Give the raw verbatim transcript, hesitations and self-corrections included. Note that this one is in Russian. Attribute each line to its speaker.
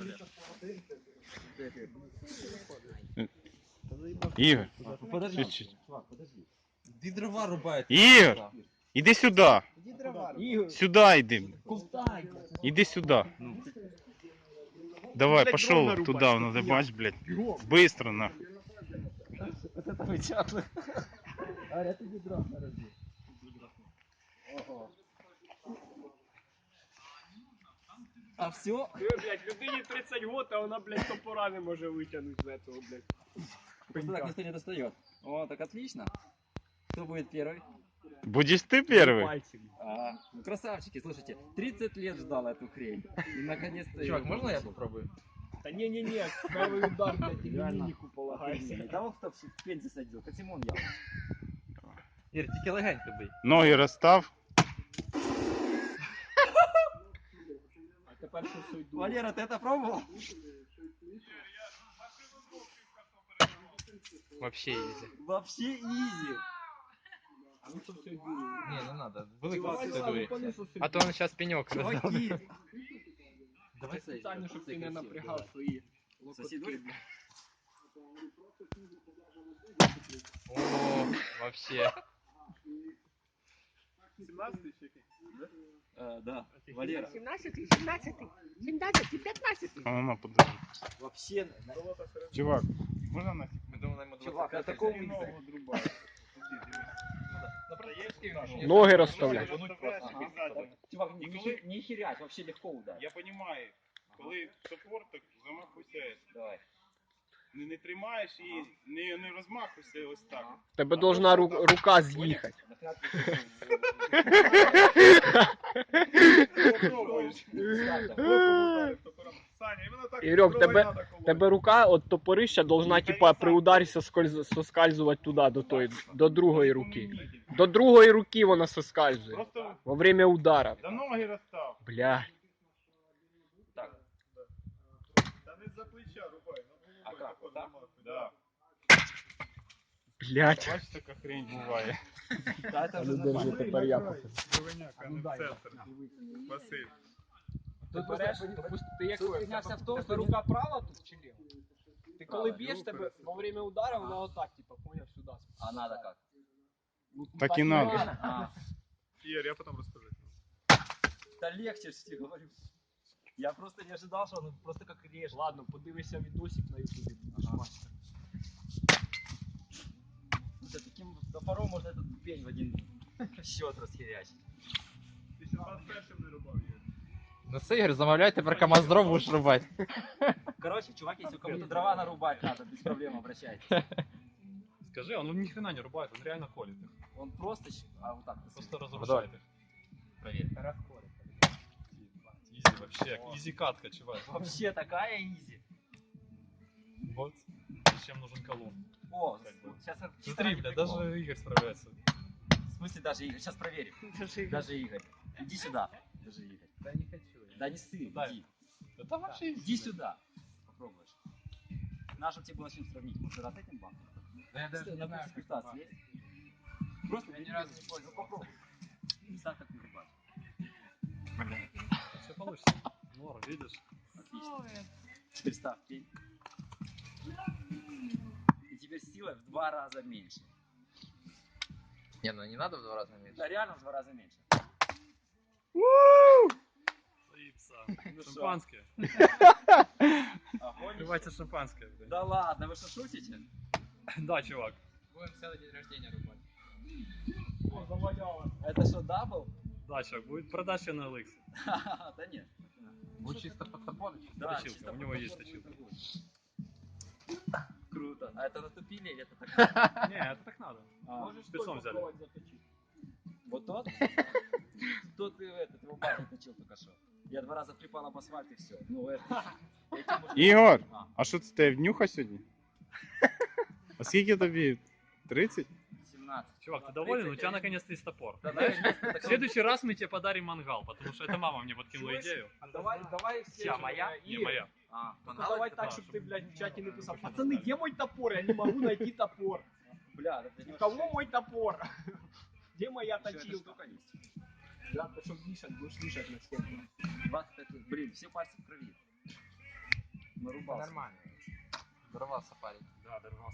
Speaker 1: Ігор,
Speaker 2: Подожди.
Speaker 1: чуть-чуть.
Speaker 2: Иди дрова рубает.
Speaker 1: Ігор, іди сюди.
Speaker 3: Иди дрова.
Speaker 1: Сюди йди.
Speaker 2: Куда?
Speaker 1: Іди сюди. Давай, пошел туда, надо, бач, блядь. Быстро, нахуй.
Speaker 2: Вот это вытягивай. Аря, ты иди дрова, подожди. Ого. А все?
Speaker 3: Блядь, людині тридцать год, а вона, блядь, топора не може витягнути з этого, блядь.
Speaker 2: Просто так никто не достает. О, так отлично. Кто будет первый?
Speaker 1: Будешь ты первый?
Speaker 3: Пальцем.
Speaker 2: А, ну красавчики, слушайте, тридцать лет ждал эту хрень. И наконец-то...
Speaker 4: Чувак,
Speaker 2: её
Speaker 4: можно я
Speaker 2: получил.
Speaker 4: попробую?
Speaker 3: Та не-не-не, первый удар, блядь, тебе
Speaker 2: Реально.
Speaker 3: мимику полагайся.
Speaker 2: Того, кто в пень засадил, как Симон я.
Speaker 4: Ір, тільки легенько бий.
Speaker 1: Ноги розстав.
Speaker 3: А тепер що все йду.
Speaker 2: Валера, ты это пробовал?
Speaker 4: Вообще изи.
Speaker 2: Вообще изи.
Speaker 3: А ну що все йду.
Speaker 4: Не, не надо. Велику
Speaker 3: Давай, давай,
Speaker 4: процедурі.
Speaker 3: понесу все.
Speaker 4: А то он сейчас пенек роздав.
Speaker 2: Чуваки.
Speaker 3: Давай спеціально, щоб ти не напрягав свої
Speaker 2: Сосед
Speaker 3: локотки.
Speaker 2: говорит?
Speaker 4: О, вообще.
Speaker 3: сімнадцятий чи який?
Speaker 2: Э, да, Валера.
Speaker 5: сімнадцятий, сімнадцятий, сімнадцятий, п'ятнадцятий.
Speaker 1: А ну, подожди.
Speaker 2: Вообще,
Speaker 1: Чувак, можна на
Speaker 4: Ми думали, йому
Speaker 2: чувак, на
Speaker 4: двадцять п'ять
Speaker 2: таком
Speaker 4: взяти.
Speaker 2: ногу
Speaker 3: отрубаю.
Speaker 5: Ноги розставляй.
Speaker 2: Чувак, не, не, не херять, вообще легко ударить.
Speaker 1: Я розумію, коли топор, так замахуйся.
Speaker 2: Давай.
Speaker 1: Не, не тримаєш і не, не розмахуйся ось так.
Speaker 5: Тебе должна ру- рука з'їхати.
Speaker 1: Попробуєш. Саня, іменно так.
Speaker 5: Ігорьок,
Speaker 1: зброю
Speaker 5: тебе,
Speaker 1: надо колоть.
Speaker 5: тебе рука от топорища должна типа при ударі соскольз- соскальзувати туди, до тої, до другої руки. До другої руки вона соскальзує.
Speaker 1: Просто
Speaker 5: Во время удара.
Speaker 1: за ноги розстав.
Speaker 5: Бля.
Speaker 2: Так,
Speaker 1: Та не за плеча рубай.
Speaker 2: а как, вот так?
Speaker 1: Да.
Speaker 5: Блять.
Speaker 1: Бачиш, така хрень буває.
Speaker 2: Да, это уже
Speaker 5: Держи,
Speaker 2: нормально.
Speaker 5: тепер я покажу.
Speaker 1: Кривеняка, не в центр. Василь.
Speaker 3: Ти береш, допустим, ти як
Speaker 2: Тут фігня вся в тому,
Speaker 3: тебе
Speaker 2: що
Speaker 3: рука права тут чи ліва? Ти коли
Speaker 2: Права.
Speaker 3: б'єш, тебе во время удара вона отак, типа, поняв, сюди.
Speaker 2: А надо как?
Speaker 3: Ну,
Speaker 1: Так і надо.
Speaker 2: А,
Speaker 1: Ігор, я потім розкажу.
Speaker 2: да легче, что тебе говорю. Я просто не ожидал, что он просто как режет.
Speaker 3: Ладно, подивися відосик на ютубі, будеш
Speaker 2: Ага.
Speaker 3: бачити.
Speaker 2: За таким топором можно этот пень в один счет расхерячить.
Speaker 1: Ти ще раз першим не рубав, Ігор.
Speaker 4: Ну все, Ігор, замовляй, тепер КамАЗ дров будеш рубати.
Speaker 2: Короче, чувак, если кому-то дрова нарубать надо, без проблем обращайтесь.
Speaker 6: Скажи, он ни хрена не рубает, он реально колет их.
Speaker 2: Он просто, щ- а вот так,
Speaker 6: Просто
Speaker 2: просто
Speaker 6: разрушает их.
Speaker 2: проверь.
Speaker 6: Изи вообще, изи катка, чувак.
Speaker 2: Вообще такая изи.
Speaker 6: Вот зачем нужен колун.
Speaker 2: О,
Speaker 6: Как бы.
Speaker 2: сейчас
Speaker 6: Смотри, бля, даже Игорь справляется.
Speaker 2: В смысле даже Игорь? Сейчас проверим. Даже Игорь. Иди сюда. Даже Игорь.
Speaker 4: Да не хочу.
Speaker 2: Да не ссы,
Speaker 6: Да.
Speaker 2: иди.
Speaker 6: Это вообще изи.
Speaker 2: Иди сюда. Попробуешь. Надо, чтобы тебе было с чем сравнить. Может, раз этим банком?
Speaker 4: Да я даже
Speaker 2: Стой,
Speaker 4: не
Speaker 2: на
Speaker 4: знаю,
Speaker 2: пульс
Speaker 4: как
Speaker 2: пятнадцать есть? Просто
Speaker 4: Я
Speaker 2: бери
Speaker 4: ни разу
Speaker 2: пульс.
Speaker 4: не пользовался.
Speaker 2: Ну, попробуй. Не так, как не рубать.
Speaker 6: Все получится. Норм, видишь?
Speaker 2: Отлично. Теперь ставь пень. И теперь сила в два раза меньше.
Speaker 4: Не, ну не надо в два раза меньше.
Speaker 2: Да, реально в два раза меньше.
Speaker 6: Заипса.
Speaker 2: Ну
Speaker 6: Шампанское.
Speaker 2: Огонь.
Speaker 6: Открывайте шампанское, бля.
Speaker 2: Да ладно, вы что шутите?
Speaker 6: Да, чувак.
Speaker 4: Будем целый день рождения рубать.
Speaker 3: О, заваляло.
Speaker 2: Это что, дабл?
Speaker 6: Да, чувак, будет продача на Эликсе.
Speaker 2: Да нет.
Speaker 4: Будет чисто под топор.
Speaker 2: Да,
Speaker 6: Точилка,
Speaker 2: чисто
Speaker 6: у него
Speaker 2: под
Speaker 6: есть
Speaker 2: топор
Speaker 6: точилка.
Speaker 2: торгует. Круто. А это натупили или это так?
Speaker 6: Не, это так надо.
Speaker 2: А,
Speaker 3: Можеш
Speaker 6: спецом
Speaker 3: той
Speaker 6: взяли.
Speaker 3: попробувати заточити.
Speaker 2: Вот тот? Тот и этот, его парень точил только что. Я два раза припал об асфальт и все. Ну это... этим можно-
Speaker 1: Ігор,
Speaker 2: А,
Speaker 1: а що це тебе внюха сьогодні? А скільки тобі? тридцать?
Speaker 2: семнадцать.
Speaker 6: Чувак, ты доволен? У тебя наконец-то есть топор.
Speaker 2: Да, наконец-то
Speaker 6: В
Speaker 2: такой-
Speaker 6: следующий раз мы тебе подарим мангал, потому что это мама мне подкинула идею.
Speaker 3: А давай, давай все.
Speaker 2: Чья, моя?
Speaker 6: Не, моя.
Speaker 2: А,
Speaker 3: Ну, давай так,
Speaker 6: да,
Speaker 3: щоб
Speaker 6: щоб-
Speaker 3: ти, блядь, в чаті не писав.
Speaker 6: щоб
Speaker 3: Пацани, де мой топор? Я не можу знайти топор.
Speaker 2: бля, это
Speaker 3: У кого мой топор? Где моя
Speaker 2: Еще эта
Speaker 3: точилка?
Speaker 2: штука есть.
Speaker 3: Да, ты чтоб вешать, будешь вешать на стену.
Speaker 2: двадцать пять лет. Блин, все пальцы в крови. нарубался.
Speaker 4: Нормально. Дрова сапарить.
Speaker 3: Да, дорвался.